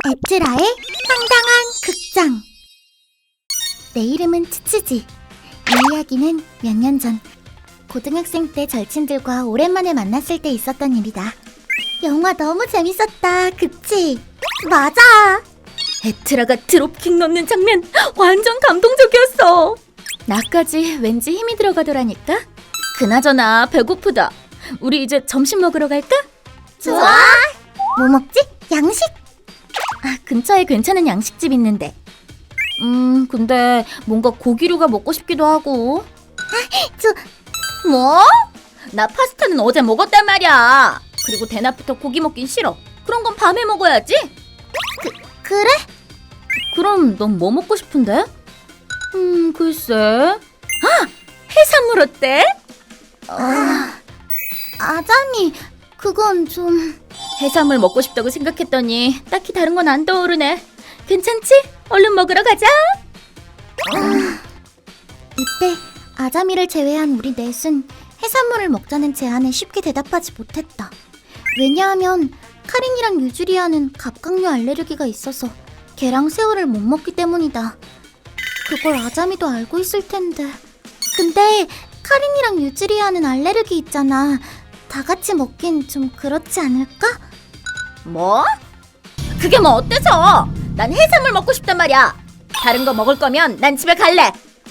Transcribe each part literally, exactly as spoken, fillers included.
에트라의 황당한 극장. 내 이름은 츠츠지. 이 이야기는 몇 년 전 고등학생 때 절친들과 오랜만에 만났을 때 있었던 일이다. 영화 너무 재밌었다, 그치? 맞아! 에트라가 드롭킥 넣는 장면 완전 감동적이었어. 나까지 왠지 힘이 들어가더라니까. 그나저나 배고프다. 우리 이제 점심 먹으러 갈까? 좋아! 뭐 먹지? 양식? 아, 근처에 괜찮은 양식집 있는데. 음, 근데 뭔가 고기류가 먹고 싶기도 하고. 저... 뭐? 나 파스타는 어제 먹었단 말이야. 그리고 대낮부터 고기 먹긴 싫어. 그런 건 밤에 먹어야지. 그, 그래? 그럼 넌 뭐 먹고 싶은데? 음, 글쎄. 아! 해산물 어때? 아... 아자미, 그건 좀... 해산물 먹고 싶다고 생각했더니 딱히 다른 건 안 떠오르네. 괜찮지? 얼른 먹으러 가자. 아... 이때 아자미를 제외한 우리 넷은 해산물을 먹자는 제안에 쉽게 대답하지 못했다. 왜냐하면 카린이랑 유주리아는 갑각류 알레르기가 있어서 게랑 새우를 못 먹기 때문이다. 그걸 아자미도 알고 있을 텐데. 근데 카린이랑 유주리아는 알레르기 있잖아. 다 같이 먹긴 좀 그렇지 않을까? 뭐? 그게 뭐 어때서? 난 해산물 먹고 싶단 말이야. 다른 거 먹을 거면 난 집에 갈래.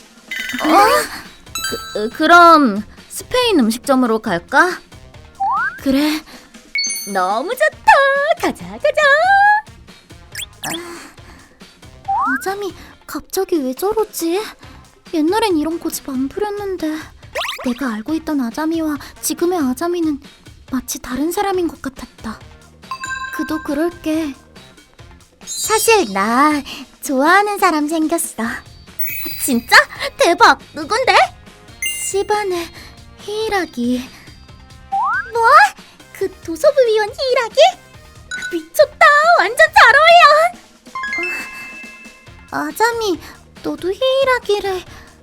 어? 그, 그럼 스페인 음식점으로 갈까? 그래. 너무 좋다. 가자 가자. 아자미 갑자기 왜 저러지? 옛날엔 이런 고집 안 부렸는데. 내가 알고 있던 아자미와 지금의 아자미는 마치 다른 사람인 것 같았다. 그도 그럴게. 사실 나 좋아하는 사람 생겼어. 진짜? 대박. 누군데? 시반의 히이라기. 뭐? 그 도서부위원 히이라기? 미쳤다. 완전 잘 어울려. 어, 아자미, 너도 히이라기를...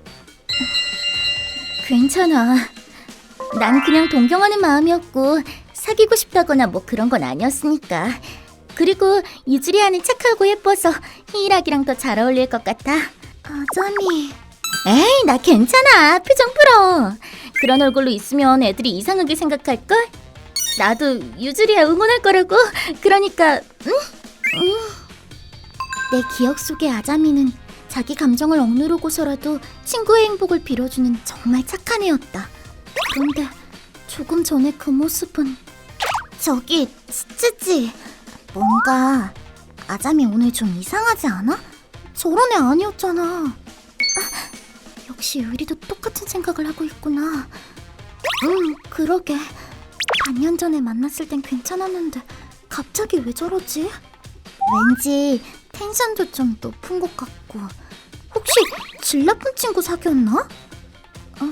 괜찮아. 난 그냥 동경하는 마음이었고 사귀고 싶다거나 뭐 그런 건 아니었으니까. 그리고 유주리아는 착하고 예뻐서 히이라기랑 더 잘 어울릴 것 같아. 아자미... 에이, 나 괜찮아. 표정 풀어. 그런 얼굴로 있으면 애들이 이상하게 생각할걸? 나도 유주리아 응원할 거라고. 그러니까 응? 응. 내 기억 속의 아자미는 자기 감정을 억누르고서라도 친구의 행복을 빌어주는 정말 착한 애였다. 그런데 조금 전에 그 모습은... 저기, 츠츠지. 뭔가 아자미 오늘 좀 이상하지 않아? 저런 애 아니었잖아. 아, 역시 의리도 똑같은 생각을 하고 있구나. 응, 그러게. 반년 전에 만났을 땐 괜찮았는데 갑자기 왜 저러지? 왠지 텐션도 좀 높은 것 같고. 혹시 질 나쁜 친구 사귀었나? 어...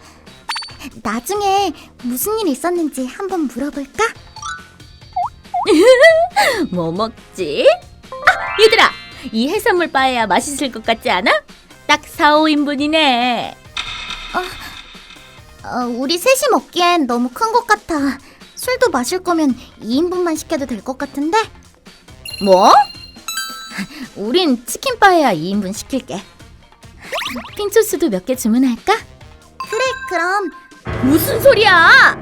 나중에 무슨 일 있었는지 한번 물어볼까? 뭐 먹지? 아, 얘들아! 이 해산물 빠에야 맛있을 것 같지 않아? 딱 사, 오 인분이네. 어, 우리 셋이 먹기엔 너무 큰 것 같아. 술도 마실 거면 이 인분만 시켜도 될 것 같은데? 뭐? 우린 치킨 빠에야 이 인분 시킬게. 핑초스도 몇 개 주문할까? 그래, 그럼. 무슨 소리야!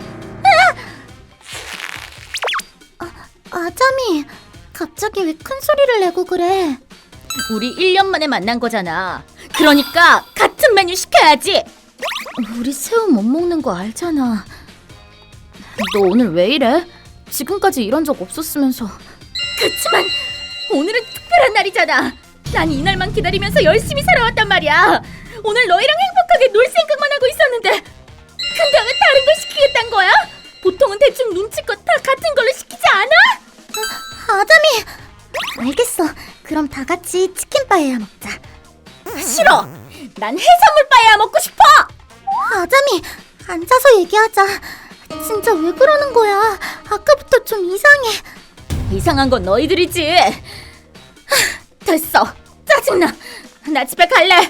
아자미, 갑자기 왜 큰 소리를 내고 그래? 우리 일 년 만에 만난 거잖아. 그러니까 같은 메뉴 시켜야지. 우리 새우 못 먹는 거 알잖아. 너 오늘 왜 이래? 지금까지 이런 적 없었으면서. 그치만 오늘은 특별한 날이잖아. 난 이날만 기다리면서 열심히 살아왔단 말이야. 오늘 너희랑 행복하게 놀 생각만 하고 있었는데. 근데 왜 다른 걸 시키겠단 거야? 보통은 대충 눈치껏 다 같은 걸로 시키지 않아? 아, 아자미! 알겠어. 그럼 다 같이 치킨 빠에야 먹자. 싫어! 난 해산물 빠에야 먹고 싶어! 아자미, 앉아서 얘기하자. 진짜 왜 그러는 거야? 아까부터 좀 이상해. 이상한 건 너희들이지. 하, 됐어. 짜증나. 나 집에 갈래.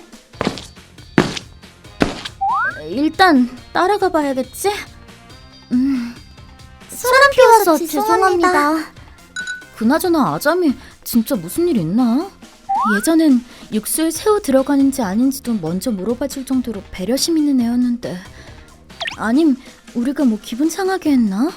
일단 따라가 봐야겠지? 음, 사람 피워서 죄송합니다. 그나저나 아자미 진짜 무슨 일 있나? 예전엔 육수에 새우 들어가는지 아닌지도 먼저 물어봐줄 정도로 배려심 있는 애였는데 아님 우리가 뭐 기분 상하게 했나?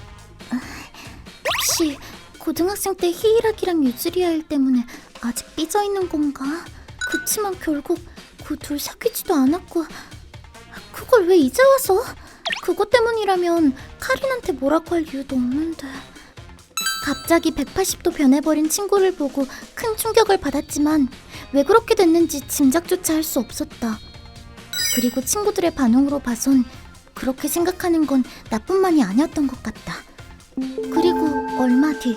혹시 고등학생 때 히이라기랑 유즈리아 일 때문에 아직 삐져있는 건가? 그치만 결국 그 둘 사귀지도 않았고 그걸 왜 이제 와서? 그것 때문이라면 카린한테 뭐라고 할 이유도 없는데. 갑자기 백팔십 도 변해버린 친구를 보고 큰 충격을 받았지만 왜 그렇게 됐는지 짐작조차 할 수 없었다. 그리고 친구들의 반응으로 봐선 그렇게 생각하는 건 나뿐만이 아니었던 것 같다. 그리고 얼마 뒤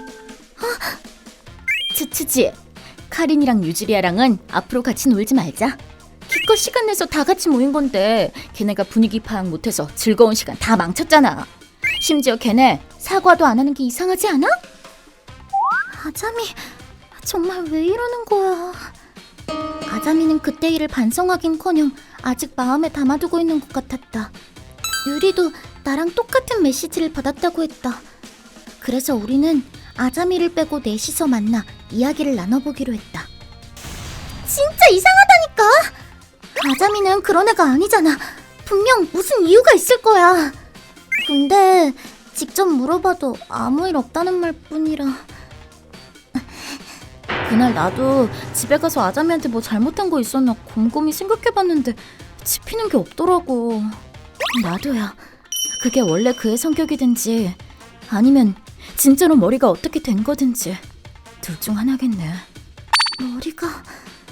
츠츠지, 카린이랑 유지리아랑은 앞으로 같이 놀지 말자. 기껏 시간 내서 다 같이 모인 건데 걔네가 분위기 파악 못해서 즐거운 시간 다 망쳤잖아. 심지어 걔네 사과도 안 하는 게 이상하지 않아? 아자미, 정말 왜 이러는 거야? 아자미는 그때 일을 반성하긴커녕 아직 마음에 담아두고 있는 것 같았다. 유리도 나랑 똑같은 메시지를 받았다고 했다. 그래서 우리는 아자미를 빼고 넷이서 만나 이야기를 나눠보기로 했다. 진짜 이상하다니까! 아자미는 그런 애가 아니잖아. 분명 무슨 이유가 있을 거야. 근데 직접 물어봐도 아무 일 없다는 말뿐이라. 그날 나도 집에 가서 아자미한테 뭐 잘못한 거 있었나 곰곰이 생각해봤는데 짚히는 게 없더라고. 나도야. 그게 원래 그의 성격이든지 아니면 진짜로 머리가 어떻게 된 거든지 둘 중 하나겠네. 머리가...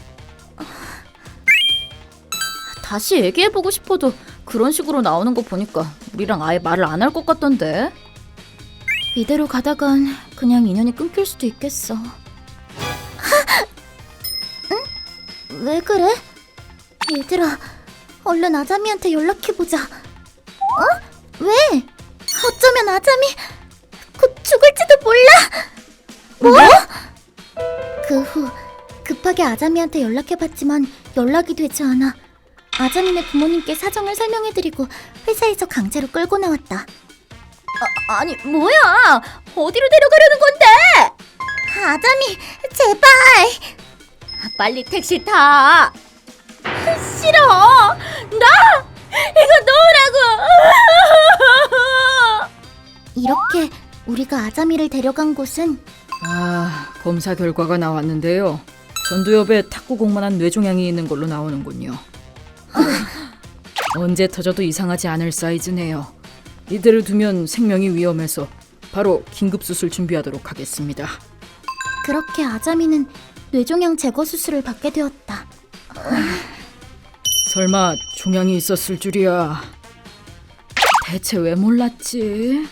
다시 얘기해보고 싶어도 그런 식으로 나오는 거 보니까 우리랑 아예 말을 안 할 것 같던데. 이대로 가다간 그냥 인연이 끊길 수도 있겠어. 응? 왜 그래? 얘들아, 얼른 아자미한테 연락해보자. 어? 왜? 어쩌면 아자미 곧 죽을지도 몰라. 뭐? 그 후 급하게 아자미한테 연락해봤지만 연락이 되지 않아. 아자미네 부모님께 사정을 설명해드리고 회사에서 강제로 끌고 나왔다. 아, 아니 뭐야? 어디로 데려가려는 건데? 아자미, 제발! 빨리 택시 타. 싫어. 나 이거 놓으라고. 이렇게 우리가 아자미를 데려간 곳은 아, 검사 결과가 나왔는데요. 전두엽에 탁구공만한 뇌종양이 있는 걸로 나오는군요. 언제 터져도 이상하지 않을 사이즈네요. 이대로 두면 생명이 위험해서 바로 긴급수술 준비하도록 하겠습니다. 그렇게 아자미는 뇌종양 제거 수술을 받게 되었다. 설마 종양이 있었을 줄이야. 대체 왜 몰랐지?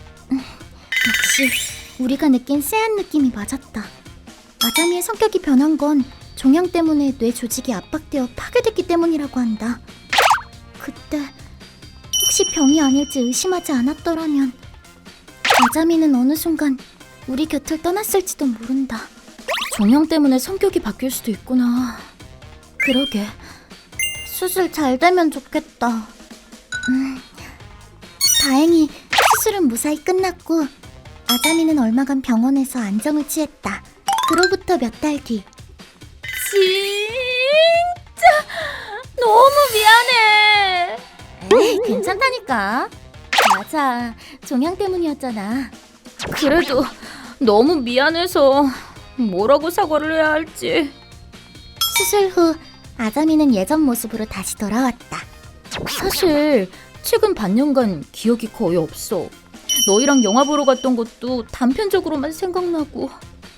역시 우리가 느낀 쎄한 느낌이 맞았다. 아자미의 성격이 변한 건 종양 때문에 뇌 조직이 압박되어 파괴됐기 때문이라고 한다. 그때 혹시 병이 아닐지 의심하지 않았더라면 아자미는 어느 순간 우리 곁을 떠났을지도 모른다. 종양 때문에 성격이 바뀔 수도 있구나. 그러게. 수술 잘 되면 좋겠다. 음, 다행히 수술은 무사히 끝났고 아자미는 얼마간 병원에서 안정을 취했다. 그로부터 몇 달 뒤. 진짜 너무 미안해. 에이, 괜찮다니까. 맞아, 종양 때문이었잖아. 그래도 너무 미안해서 뭐라고 사과를 해야 할지. 수술 후 아자미는 예전 모습으로 다시 돌아왔다. 사실 최근 반년간 기억이 거의 없어. 너희랑 영화 보러 갔던 것도 단편적으로만 생각나고.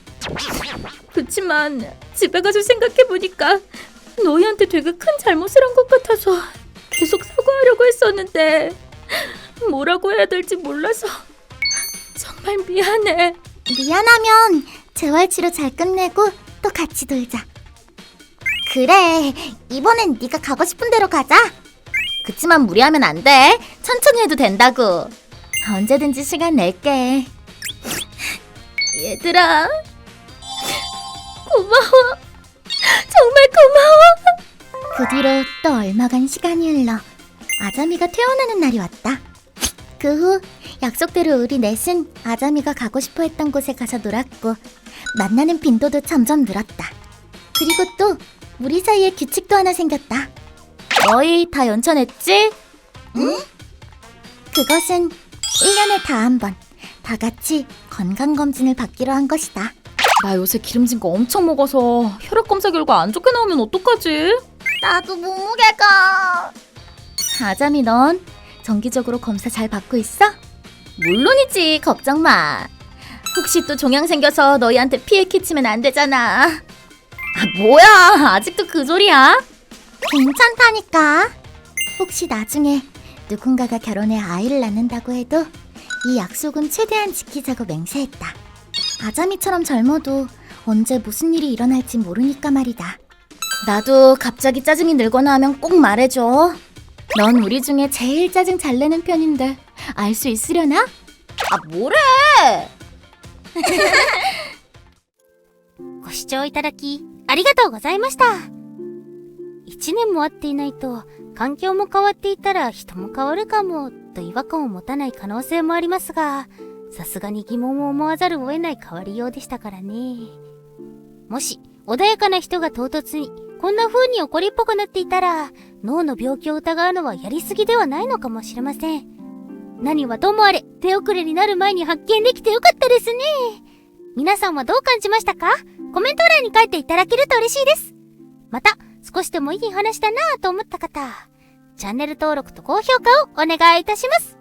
그치만 집에 가서 생각해보니까 너희한테 되게 큰 잘못을 한 것 같아서 계속 사과하려고 했었는데 뭐라고 해야 될지 몰라서 정말 미안해. 미안하면 재활치료 잘 끝내고 또 같이 놀자. 그래, 이번엔 네가 가고 싶은 대로 가자. 그치만 무리하면 안 돼. 천천히 해도 된다고. 언제든지 시간 낼게. 얘들아, 고마워. 정말 고마워. 그 뒤로 또 얼마간 시간이 흘러 아자미가 퇴원하는 날이 왔다. 그 후 약속대로 우리 넷은 아자미가 가고 싶어 했던 곳에 가서 놀았고 만나는 빈도도 점점 늘었다. 그리고 또 우리 사이에 규칙도 하나 생겼다. 너희 다 연차냈지? 응? 그것은 일 년에 다 한 번 다 같이 건강검진을 받기로 한 것이다. 나 요새 기름진 거 엄청 먹어서 혈액 검사 결과 안 좋게 나오면 어떡하지? 나도 몸무게가... 아자미 넌 정기적으로 검사 잘 받고 있어? 물론이지, 걱정 마. 혹시 또 종양 생겨서 너희한테 피해 끼치면 안 되잖아. 아, 뭐야, 아직도 그 소리야? 괜찮다니까. 혹시 나중에 누군가가 결혼해 아이를 낳는다고 해도 이 약속은 최대한 지키자고 맹세했다. 아자미처럼 젊어도 언제 무슨 일이 일어날지 모르니까 말이다. 나도 갑자기 짜증이 늘거나 하면 꼭 말해줘. 넌 우리 중에 제일 짜증 잘 내는 편인데 알 수 있으려나? 아, 뭐래? ご視聴いただき、ありがとうございました。一年も会っていないと、環境も変わっていたら人も変わるかも、と違和感を持たない可能性もありますが、さすがに疑問を思わざるを得ない変わりようでしたからね。もし、穏やかな人が唐突に、こんな風に怒りっぽくなっていたら、脳の病気を疑うのはやりすぎではないのかもしれません。何はともあれ、手遅れになる前に発見できてよかったですね。皆さんはどう感じましたか？コメント欄に書いていただけると嬉しいです。また、少しでもいい話だなぁと思った方、チャンネル登録と高評価をお願いいたします。